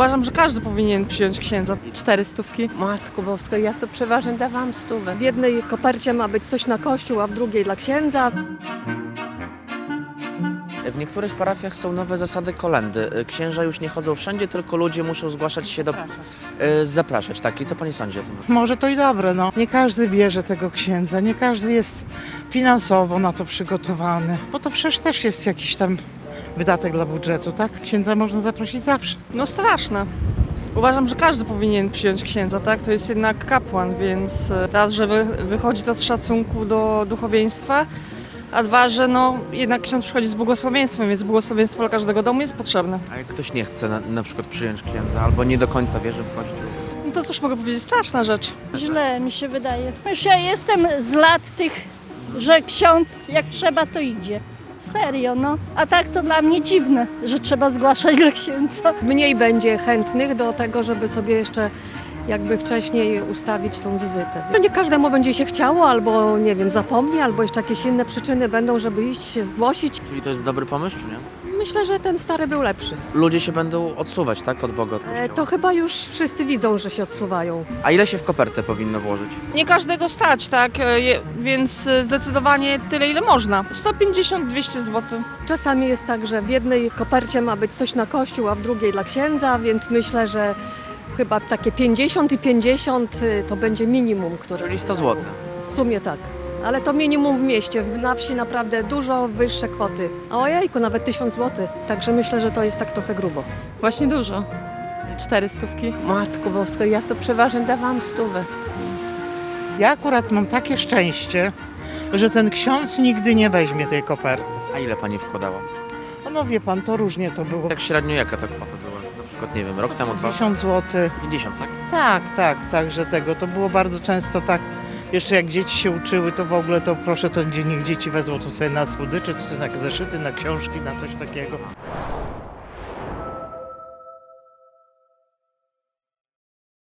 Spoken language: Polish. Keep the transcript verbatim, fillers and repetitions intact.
Uważam, że każdy powinien przyjąć księdza. Cztery stówki. Matko Boska, ja to przeważnie dawałam stówę. W jednej kopercie ma być coś na kościół, a w drugiej dla księdza. W niektórych parafiach są nowe zasady kolędy. Księża już nie chodzą wszędzie, tylko ludzie muszą zgłaszać się do... y, zapraszać, tak? I co pani sądzi o tym? Może to i dobre, no. Nie każdy bierze tego księdza, nie każdy jest finansowo na to przygotowany, bo to przecież też jest jakiś tam wydatek dla budżetu, tak? Księdza można zaprosić zawsze. No straszne. Uważam, że każdy powinien przyjąć księdza, tak? To jest jednak kapłan, więc e, raz, że wy, wychodzi to z szacunku do duchowieństwa, a dwa, że no jednak ksiądz przychodzi z błogosławieństwem, więc błogosławieństwo dla każdego domu jest potrzebne. A jak ktoś nie chce na, na przykład przyjąć księdza albo nie do końca wierzy w Kościół? No to cóż mogę powiedzieć, straszna rzecz. Źle mi się wydaje. Już ja jestem z lat tych, że ksiądz jak trzeba to idzie. Serio, no. A tak to dla mnie dziwne, że trzeba zgłaszać dla księdza. Mniej będzie chętnych do tego, żeby sobie jeszcze jakby wcześniej ustawić tą wizytę. No nie każdemu będzie się chciało, albo nie wiem, zapomni, albo jeszcze jakieś inne przyczyny będą, żeby iść się zgłosić. Czyli to jest dobry pomysł, czy nie? Myślę, że ten stary był lepszy. Ludzie się będą odsuwać, tak? Od Boga, od E, Kościoła. To chyba już wszyscy widzą, że się odsuwają. A ile się w kopertę powinno włożyć? Nie każdego stać, tak? E, je- Więc e, zdecydowanie tyle, ile można. sto pięćdziesiąt do dwustu złotych. Czasami jest tak, że w jednej kopercie ma być coś na kościół, a w drugiej dla księdza, więc myślę, że chyba takie pięćdziesiąt i pięćdziesiąt y, to będzie minimum, które... Czyli sto złotych. W sumie tak. Ale to minimum w mieście. W- Na wsi naprawdę dużo wyższe kwoty. A ojejku, nawet tysiąc złotych. Także myślę, że to jest tak trochę grubo. Właśnie dużo. Cztery stówki. Matko Boska, ja to przeważnie dawałam stówę. Ja akurat mam takie szczęście, że ten ksiądz nigdy nie weźmie tej koperty. A ile pani wkładała? No wie pan, to różnie to było. Tak średnio jaka ta kwota była? Na przykład, nie wiem, rok temu, dwa? pięćdziesiąt złotych. pięćdziesiąt, tak? Tak, tak, tak, że tego. To było bardzo często tak. Jeszcze jak dzieci się uczyły, to w ogóle to proszę, to gdzie niech dzieci wezmą to sobie na słodycze, czy na zeszyty, na książki, na coś takiego.